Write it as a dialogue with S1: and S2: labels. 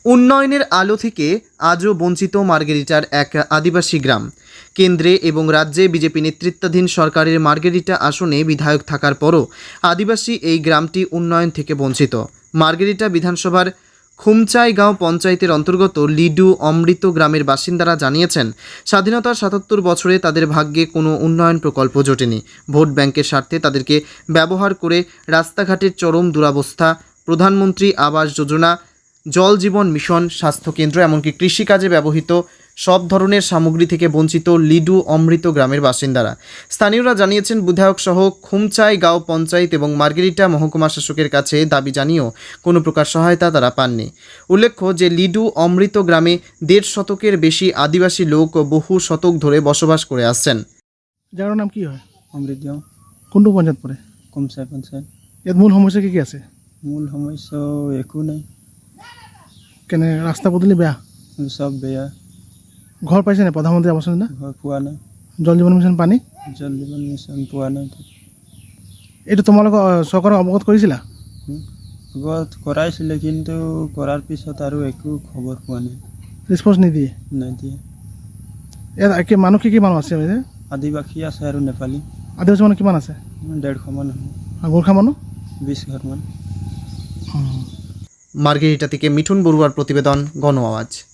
S1: উন্নয়নের আলো থেকে আজও বঞ্চিত মার্গেরিটার এক আদিবাসী গ্রাম। কেন্দ্রে এবং রাজ্যে বিজেপি নেতৃত্বাধীন সরকারের মার্গেরিটা আসনে বিধায়ক থাকার পরও আদিবাসী এই গ্রামটি উন্নয়ন থেকে বঞ্চিত। মার্গেরিটা বিধানসভার খুমচাইগাঁও পঞ্চায়েতের অন্তর্গত লিডু অমৃত গ্রামের বাসিন্দারা জানিয়েছেন, স্বাধীনতার ৭৭ বছরে তাদের ভাগ্যে কোনো উন্নয়ন প্রকল্প জোটেনি। ভোট ব্যাংকের স্বার্থে তাদেরকে ব্যবহার করে রাস্তাঘাটের চরম দুরবস্থা, প্রধানমন্ত্রী আবাস যোজনা, জল জীবন মিশন, স্বাস্থ্যকেন্দ্র এমনকি কৃষিকাজে ব্যবহৃত সব ধরনের সামগ্রী থেকে বঞ্চিত লিডু অমৃত গ্রামের বাসিন্দারা। স্থানীয়রা জানিয়েছেন, বিধায়ক সহ খুমচাইগাঁও পঞ্চায়েত এবং মার্গেরিটা মহকুমা শাসকের কাছে দাবি জানিয়েও কোনো প্রকার সহায়তা তারা পাননি। উল্লেখ্য যে লিডু অমৃত গ্রামে ১.৫ শতকের বেশি আদিবাসী লোক বহু শতক ধরে বসবাস করে আসছেন।
S2: জায়গাটার নাম কি হয়?
S3: অমৃতগাঁও
S2: কোনটো পঞ্চায়ত পৰে?
S3: কমচাই পঞ্চায়ত।
S2: ইয়াত মূল সমস্যা কি আছে?
S3: মূল সমস্যা একো নাই,
S2: কেনে ৰাস্তা পদূলি বেয়া?
S3: সব বেয়া।
S2: ঘৰ পাইছে নাই প্ৰধানমন্ত্ৰী আৱাস যোজনা?
S3: ঘৰ পোৱা নাই,
S2: জল জীৱন মিছন পানী?
S3: জল জীৱন মিছন পোৱা নাই।
S2: এইটো তোমালোকৰ চৰকাৰক অৱগত কৰিছিলা?
S3: আগত কৰাইছিলে, কিন্তু কৰাৰ পিছত আৰু একো খবৰ পোৱা নাই,
S2: ৰেছপন্স নিদিয়ে?
S3: নিদিয়ে।
S2: ইয়াত মানুহ কি মানুহ আছে?
S3: আদিবাসী আছে আৰু নেপালী
S2: আদিবাসী মানুহ কিমান আছে?
S3: 150 মান হ'ব,
S2: আৰু গোৰ্খা মানুহ
S3: 20 ঘৰমান।
S1: মার্গেরিটা থেকে মিঠুন বড়ুয়ার প্রতিবেদন, গণ আওয়াজ।